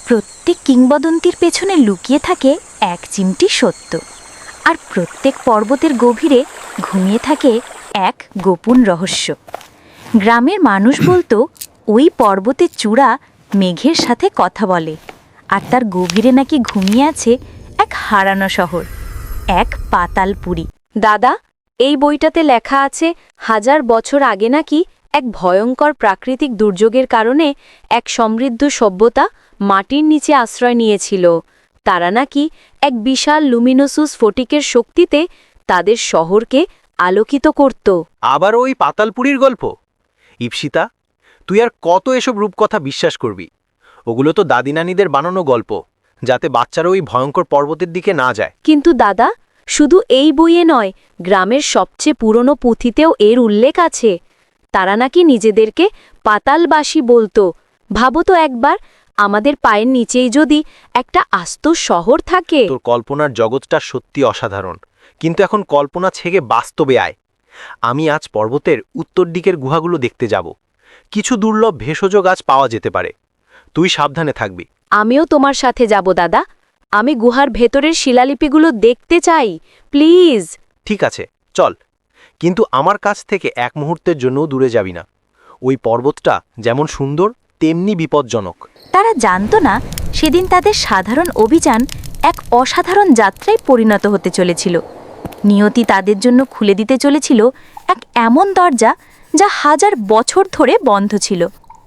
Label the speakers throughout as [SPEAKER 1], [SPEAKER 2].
[SPEAKER 1] প্রত্যেক কিংবদন্তির পেছনে লুকিয়ে থাকে এক চিমটি সত্য, আর প্রত্যেক পর্বতের গভীরে ঘুমিয়ে থাকে এক গোপন রহস্য। গ্রামের মানুষ বলতো ওই পর্বতের চূড়া মেঘের সাথে কথা বলে, আর তার গভীরে নাকি ঘুমিয়ে আছে এক হারানো শহর, এক পাতালপুরী।
[SPEAKER 2] দাদা, এই বইটাতে লেখা আছে 1000 বছর আগে নাকি এক ভয়ঙ্কর প্রাকৃতিক দুর্যোগের কারণে এক সমৃদ্ধ সভ্যতা মাটির নিচে আশ্রয় নিয়েছিল। তারা নাকি এক বিশাল লুমিনোসাস স্ফটিকের শক্তিতে তাদের শহরকে আলোকিত করত।
[SPEAKER 3] আবার ওই পাতালপুরীর গল্প? ইপসিতা, তুই আর কত এসব রূপকথা বিশ্বাস করবি? ওগুলো তো দাদি নানিদের বানানো গল্প, যাতে বাচ্চারা ওই ভয়ঙ্কর পর্বতের দিকে না যায়।
[SPEAKER 2] কিন্তু দাদা, শুধু এই বইয়ে নয়, গ্রামের সবচেয়ে পুরনো পুঁথিতেও এর উল্লেখ আছে। তারা নাকি নিজেদেরকে পাতালবাসী বলতো। ভাবো তো একবার, আমাদের পায়ের নিচেই যদি একটা আস্ত শহর থাকে।
[SPEAKER 3] তোর কল্পনার জগৎটা সত্যি অসাধারণ, কিন্তু এখন কল্পনা ছেড়ে বাস্তবে আয়। আমি আজ পর্বতের উত্তর দিকের গুহাগুলো দেখতে যাব। কিছু দুর্লভ ভেষজ গাছ পাওয়া যেতে পারে। তুই সাবধানে থাকবি।
[SPEAKER 2] আমিও তোমার সাথে যাব দাদা। আমি গুহার ভেতরের শিলালিপিগুলো দেখতে চাই, প্লিজ।
[SPEAKER 3] ঠিক আছে, চল, কিন্তু আমার কাছ থেকে এক মুহূর্তের জন্যও দূরে যাবি না। ওই পর্বতটা যেমন সুন্দর তেমনি বিপজ্জনক।
[SPEAKER 1] তারা জানত না সেদিন তাদের সাধারণ অভিযান এক অসাধারণ যাত্রায় পরিণত হতে চলেছিল। নিয়তি তাদের জন্য খুলে দিতে চলেছিল এক এমন দরজা যা 1000 বছর ধরে বন্ধ ছিল।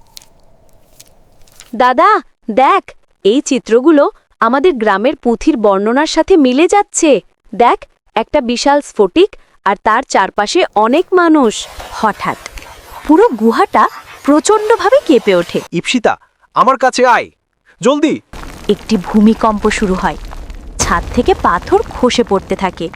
[SPEAKER 2] দাদা, দেখ, এই চিত্রগুলো আমাদের গ্রামের পুঁথির বর্ণনার সাথে মিলে যাচ্ছে। দেখ, একটা বিশাল স্ফটিক, আর তার চারপাশে অনেক মানুষ।
[SPEAKER 1] হঠাৎ পুরো গুহাটা প্রচণ্ডভাবে কেঁপে ওঠে।
[SPEAKER 3] ইপসিতা, আমার কাছে আয়, জলদি।
[SPEAKER 1] একটি ভূমিকম্প শুরু হয়। ছাদ থেকে পাথর খসে পড়তে থাকে।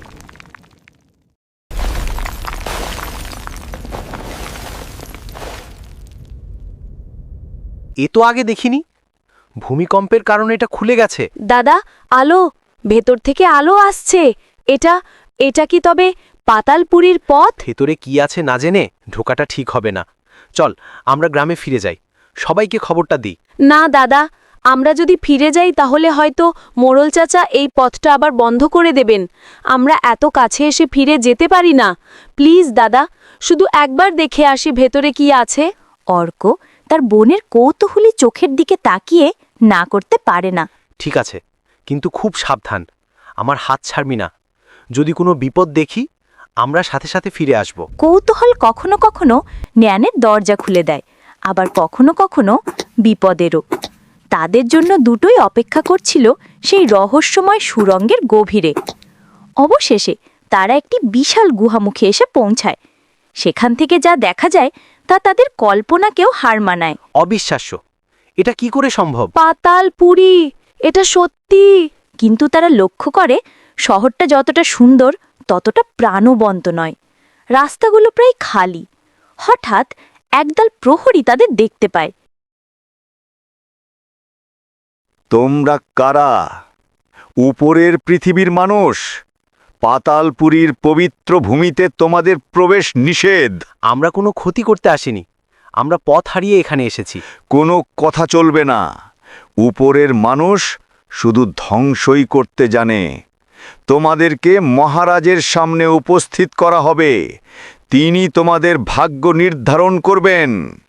[SPEAKER 3] এ তো আগে দেখিনি। ভূমিকম্পের কারণে এটা খুলে গেছে।
[SPEAKER 2] দাদা, আলো, ভেতর থেকে আলো আসছে। এটা কি তবে পাতালপুরীর পথ?
[SPEAKER 3] ভেতরে কি আছে না জেনে ঢোকাটা ঠিক হবে না। চল, আমরা গ্রামে ফিরে যাই, সবাইকে খবরটা দিই।
[SPEAKER 2] না দাদা, আমরা যদি ফিরে যাই তাহলে হয়তো মোড়ল চাচা এই পথটা আবার বন্ধ করে দেবেন। আমরা এত কাছে এসে ফিরে যেতে পারি না। প্লিজ দাদা, শুধু একবার দেখে আসি ভেতরে কি আছে।
[SPEAKER 1] অর্ক তার বোনের কৌতূহলী চোখের দিকে তাকিয়ে না করতে পারে না।
[SPEAKER 3] ঠিক আছে, কিন্তু খুব সাবধান, আমার হাত ছাড়বি না। যদি কোনো বিপদ দেখি, আমরা সাথে সাথে ফিরে আসব।
[SPEAKER 1] কৌতূহল কখনো কখনো জ্ঞানের দরজা খুলে দেয়, আবার কখনো কখনো বিপদেরও। তাদের জন্য দুটোই অপেক্ষা করছিল সেই রহস্যময় সুড়ঙ্গের গভীরে। অবশেষে তারা একটি বিশাল গুহামুখে এসে পৌঁছায়। সেখান থেকে যা দেখা যায় তা তাদের কল্পনাকেও হার মানায়।
[SPEAKER 3] অবিশ্বাস্য! এটা কি করে সম্ভব?
[SPEAKER 2] পাতালপুরী, এটা সত্যি।
[SPEAKER 1] কিন্তু তারা লক্ষ্য করে শহরটা যতটা সুন্দর ততটা প্রাণবন্ত নয়। রাস্তাগুলো প্রায় খালি। হঠাৎ একদল প্রহরী তাদের দেখতে পায়।
[SPEAKER 4] তোমরা কারা? উপরের পৃথিবীর মানুষ। পাতালপুরীর পবিত্র ভূমিতে তোমাদের প্রবেশ নিষেধ।
[SPEAKER 3] আমরা কোনো ক্ষতি করতে আসিনি, আমরা পথ হারিয়ে এখানে এসেছি।
[SPEAKER 4] কোনো কথা চলবে না। উপরের মানুষ শুধু ধ্বংসই করতে জানে। তোমাদেরকে মহারাজের সামনে উপস্থিত করা হবে। তিনি তোমাদের ভাগ্য নির্ধারণ করবেন।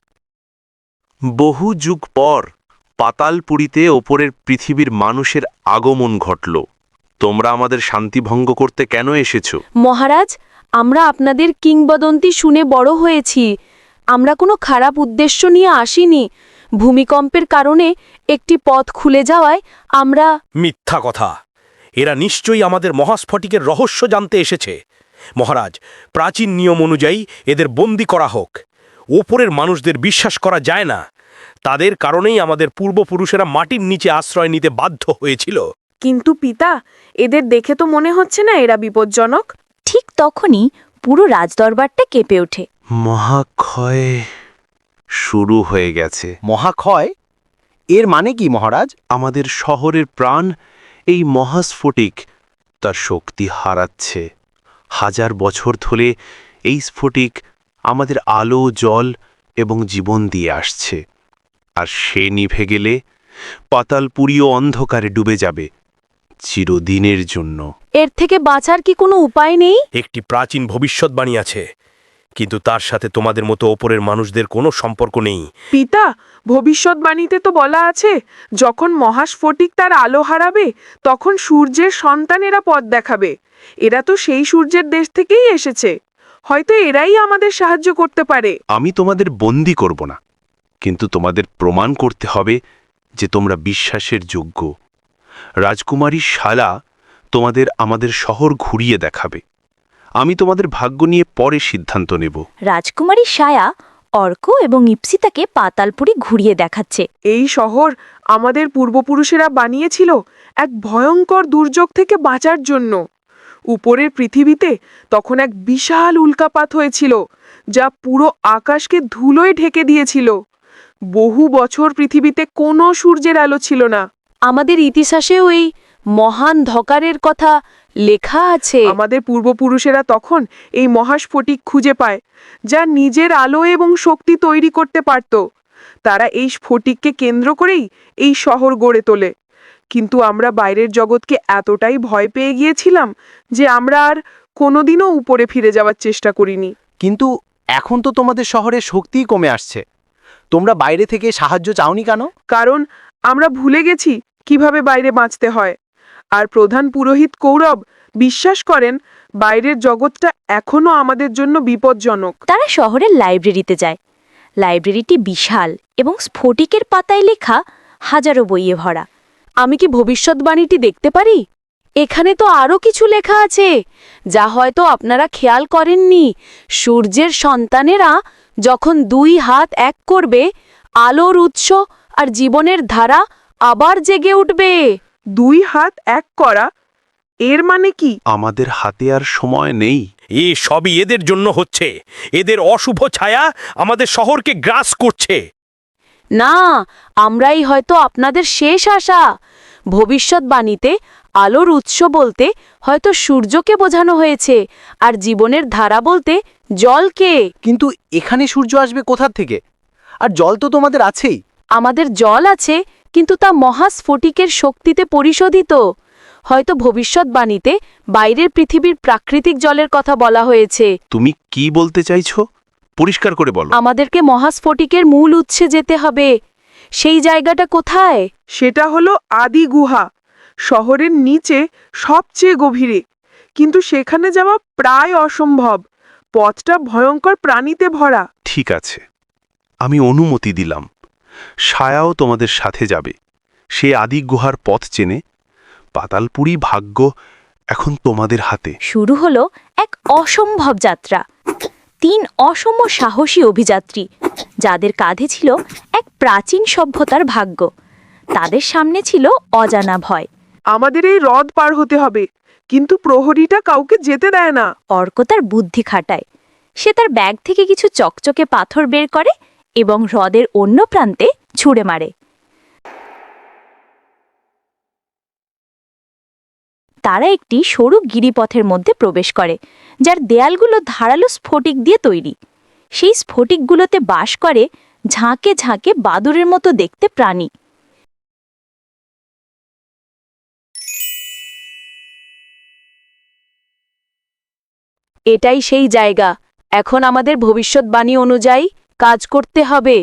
[SPEAKER 5] বহু যুগ পর পাতালপুরীতে ওপরের পৃথিবীর মানুষের আগমন ঘটল। তোমরা আমাদের শান্তি ভঙ্গ করতে কেন এসেছো?
[SPEAKER 2] মহারাজ, আমরা আপনাদের কিংবদন্তি শুনে বড় হয়েছি। আমরা কোনো খারাপ উদ্দেশ্য নিয়ে আসিনি। ভূমিকম্পের কারণে একটি পথ খুলে যাওয়ায় আমরা...
[SPEAKER 6] মিথ্যা কথা! এরা নিশ্চয়ই আমাদের মহাস্ফটিকের রহস্য জানতে এসেছে। মহারাজ, প্রাচীন নিয়ম অনুযায়ী এদের বন্দী করা হোক। ওপরের মানুষদের বিশ্বাস করা যায় না। তাদের কারণেই আমাদের পূর্বপুরুষেরা মাটির নিচে আশ্রয় নিতে বাধ্য হয়েছিল।
[SPEAKER 7] কিন্তু পিতা, এদের দেখে তো মনে হচ্ছে না এরা বিপজ্জনক।
[SPEAKER 1] ঠিক তখনই পুরো রাজদরবারটা কেঁপে ওঠে।
[SPEAKER 5] মহাক্ষয় শুরু হয়ে গেছে।
[SPEAKER 3] মহাক্ষয়? এর মানে কি মহারাজ?
[SPEAKER 5] আমাদের শহরের প্রাণ, এই মহাস্ফটিক, তার শক্তি হারাচ্ছে। 1000 বছর ধরে এই স্ফটিক আমাদের আলো, জল এবং জীবন দিয়ে আসছে। আর সে নিভে গেলে পাতালপুরীও অন্ধকারে ডুবে যাবে চিরদিনের জন্য।
[SPEAKER 2] এর থেকে বাঁচার কি কোনো উপায় নেই?
[SPEAKER 6] একটি প্রাচীন ভবিষ্যৎবাণী আছে, কিন্তু তার সাথে তোমাদের মতো ওপরের মানুষদের কোনো সম্পর্ক নেই।
[SPEAKER 7] পিতা, ভবিষ্যৎবাণীতে তো বলা আছে যখন মহাস্ফটিক তার আলো হারাবে তখন সূর্যের সন্তানেরা পথ দেখাবে। এরা তো সেই সূর্যের দেশ থেকেই এসেছে, হয়তো এরাই আমাদের সাহায্য করতে পারে।
[SPEAKER 5] আমি তোমাদের বন্দি করব না, কিন্তু তোমাদের প্রমাণ করতে হবে যে তোমরা বিশ্বাসের যোগ্য। রাজকুমারী শালা তোমাদের আমাদের শহর ঘুরিয়ে দেখাবে। আমি তোমাদের ভাগ্য নিয়ে পরে সিদ্ধান্ত নেব।
[SPEAKER 1] রাজকুমারী সায়া অর্ক এবং ইপসিতাকে পাতালপুরি ঘুরিয়ে দেখাচ্ছে।
[SPEAKER 7] এই শহর আমাদের পূর্বপুরুষেরা বানিয়েছিল এক ভয়ঙ্কর দুর্যোগ থেকে বাঁচার জন্য। উপরের পৃথিবীতে তখন এক বিশাল উল্কাপাত হয়েছিল, যা পুরো আকাশকে ধুলোয় ঢেকে দিয়েছিল। বহু বছর পৃথিবীতে কোনো সূর্যের আলো ছিল না।
[SPEAKER 2] আমাদের ইতিহাসেও এই মহান ধকারের কথা লেখা আছে।
[SPEAKER 7] আমাদের পূর্বপুরুষেরা তখন এই মহাস্ফটিক খুঁজে পায়, যা নিজের আলো এবং শক্তি তৈরি করতে পারত। তারা এই স্ফটিককে কেন্দ্র করেই এই শহর গড়ে তোলে। কিন্তু আমরা বাইরের জগৎকে এতটাই ভয় পেয়ে গিয়েছিলাম যে আমরা আর কোনোদিনও উপরে ফিরে যাওয়ার চেষ্টা করিনি।
[SPEAKER 3] কিন্তু এখন তো তোমাদের শহরে শক্তিই কমে আসছে, তোমরা বাইরে থেকে সাহায্য চাওনি কেন?
[SPEAKER 7] কারণ আমরা ভুলে গেছি কিভাবে বাইরে বাঁচতে হয়। আর প্রধান পুরোহিত কৌরব বিশ্বাস করেন বাইরের জগৎটা এখনো আমাদের জন্য বিপজ্জনক।
[SPEAKER 1] তারা শহরের লাইব্রেরিতে যায়। লাইব্রেরিটি বিশাল এবং স্ফটিকের পাতায় লেখা হাজারো বইয়ে ভরা।
[SPEAKER 2] আমি কি ভবিষ্যৎবাণীটি দেখতে পারি? এখানে তো আরও কিছু লেখা আছে যা হয়তো আপনারা খেয়াল করেননি। সূর্যের সন্তানেরা যখন দুই হাত এক করবে, আলোর উৎস আর জীবনের ধারা আবার জেগে উঠবে।
[SPEAKER 7] দুই হাত এক করা, এর মানে কি?
[SPEAKER 5] আমাদের হাতে আর সময় নেই।
[SPEAKER 6] এ সবই এদের জন্য হচ্ছে। এদের অশুভ ছায়া আমাদের শহরকে গ্রাস করছে।
[SPEAKER 2] না, আমরাই হয়তো আপনাদের শেষ আশা। ভবিষ্যৎবাণীতে আলোর উৎস বলতে হয়তো সূর্যকে বোঝানো হয়েছে, আর জীবনের ধারা বলতে জলকে।
[SPEAKER 3] কিন্তু এখানে সূর্য আসবে কোথা থেকে? আর জল তো তোমাদের আছেই।
[SPEAKER 2] আমাদের জল আছে, কিন্তু তা মহাস্ফটিকের শক্তিতে পরিশোধিত। হয়তো ভবিষ্যৎবাণীতে বাইরের পৃথিবীর প্রাকৃতিক জলের কথা বলা হয়েছে।
[SPEAKER 5] তুমি কি বলতে চাইছো? পরিষ্কার করে বলো।
[SPEAKER 2] আমাদেরকে মহাস্ফটিকের মূল উৎসে যেতে হবে। সেই জায়গাটা কোথায়?
[SPEAKER 7] সেটা হলো আদি গুহা, শহরের নিচে সবচেয়ে গভীরে। কিন্তু সেখানে যাওয়া প্রায় অসম্ভব। পথটা ভয়ঙ্কর প্রাণীতে ভরা।
[SPEAKER 5] ঠিক আছে, আমি অনুমতি দিলাম। সায়াও তোমাদের সাথে যাবে। সে আদি গুহার পথ চেনে। পাতালপুরি ভাগ্য এখন তোমাদের হাতে।
[SPEAKER 1] শুরু হলো এক অসম্ভব যাত্রা। 3 অসম সাহসী অভিযাত্রী, যাদের কাঁধে ছিল এক প্রাচীন সভ্যতার ভাগ্য। তাদের সামনে ছিল অজানা ভয়।
[SPEAKER 7] আমাদের এই হ্রদ পার হতে হবে, কিন্তু প্রহরীটা কাউকে যেতে দেয় না।
[SPEAKER 1] অর্ক তার বুদ্ধি খাটায়। সে তার ব্যাগ থেকে কিছু চকচকে পাথর বের করে এবং হ্রদের অন্য প্রান্তে ছুঁড়ে মারে। তারা একটি সরু গিরিপথের মধ্যে প্রবেশ করে, যার দেয়ালগুলো ধারালো স্ফটিক দিয়ে তৈরি। সেই স্ফটিকগুলোতে বাস করে ঝাঁকে ঝাঁকে বাদুড়ের মতো দেখতে প্রাণী।
[SPEAKER 2] এটাই সেই জায়গা। এখন আমাদের ভবিষ্যৎবাণী অনুযায়ী কাজ করতে হবে।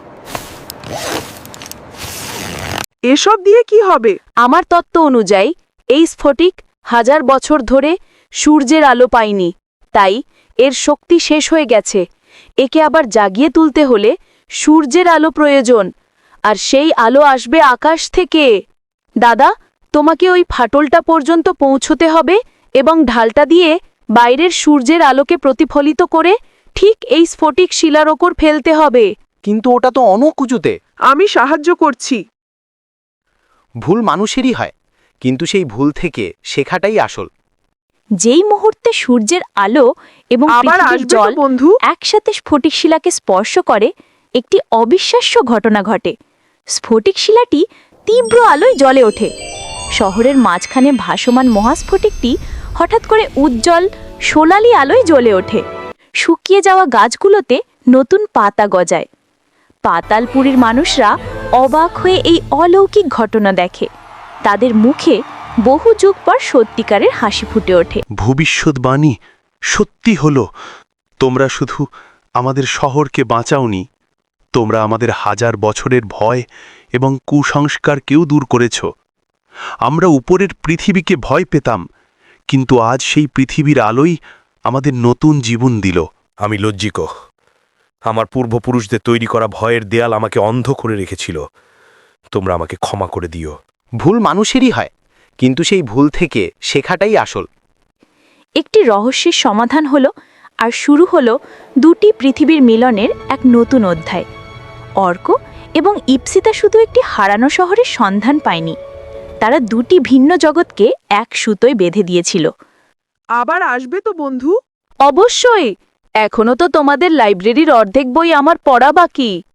[SPEAKER 7] এসব দিয়ে কি হবে?
[SPEAKER 2] আমার তত্ত্ব অনুযায়ী এই স্ফটিক 1000 বছর ধরে সূর্যের আলো পায়নি, তাই এর শক্তি শেষ হয়ে গেছে। একে আবার জাগিয়ে তুলতে হলে সূর্যের আলো প্রয়োজন, আর সেই আলো আসবে আকাশ থেকে। দাদা, তোমাকে ওই ফাটলটা পর্যন্ত পৌঁছতে হবে এবং ঢালটা দিয়ে বাইরের সূর্যের আলোকে প্রতিফলিত করে ঠিক এই স্ফটিক শিলার ওপর ফেলতে হবে।
[SPEAKER 3] কিন্তু ওটা তো অনেক উঁচুতে।
[SPEAKER 7] আমি সাহায্য করছি।
[SPEAKER 3] ভুল মানুষেরই হয়, কিন্তু সেই ভুল থেকে শেখাটাই আসল।
[SPEAKER 1] যেই মুহূর্তে সূর্যের আলো এবং
[SPEAKER 7] আবার
[SPEAKER 1] পৃথিবীর
[SPEAKER 7] আসবে তো
[SPEAKER 1] জল
[SPEAKER 7] বন্ধু।
[SPEAKER 1] একসাথে স্ফটিক শিলাকে স্পর্শ করে, একটি অবিশ্বাস্য ঘটনা ঘটে। স্ফটিক শিলাটি তীব্র আলোয় জ্বলে ওঠে। শহরের মাঝখানে ভাসমান মহাস্ফটিকটি হঠাৎ করে উজ্জ্বল সোনালি আলোয় জ্বলে ওঠে। শুকিয়ে যাওয়া গাছগুলোতে নতুন পাতা গজায়। পাতালপুরীর মানুষরা অবাক হয়ে এই অলৌকিক ঘটনা দেখে। তাদের মুখে বহু যুগ পর সত্যিকারের হাসি ফুটে ওঠে।
[SPEAKER 5] ভবিষ্যৎবাণী সত্যি হলো। তোমরা শুধু আমাদের শহরকে বাঁচাওনি, তোমরা আমাদের হাজার বছরের ভয় এবং কুসংস্কারকেও দূর করেছ। আমরা উপরের পৃথিবীকে ভয় পেতাম, কিন্তু আজ সেই পৃথিবীর আলোই আমাদের নতুন জীবন দিল।
[SPEAKER 6] আমি লজ্জিত। আমার পূর্বপুরুষদের তৈরি করা ভয়ের দেয়াল আমাকে অন্ধ করে রেখেছিল। তোমরা আমাকে ক্ষমা করে দিও।
[SPEAKER 3] ভুল মানুষেরই হয়, কিন্তু সেই ভুল থেকে শেখাটাই আসল।
[SPEAKER 1] একটি রহস্যের সমাধান হলো, আর শুরু হলো দুটি পৃথিবীর মিলনের এক নতুন অধ্যায়। অর্ক এবং ইপসিতা শুধু একটি হারানো শহরের সন্ধান পায়নি, তারা দুটি ভিন্ন জগৎকে এক সুতোয় বেঁধে দিয়েছিল।
[SPEAKER 7] আবার আসবে তো বন্ধু?
[SPEAKER 2] অবশ্যই, এখনো তো তোমাদের লাইব্রেরির অর্ধেক বই আমার পড়া বাকি।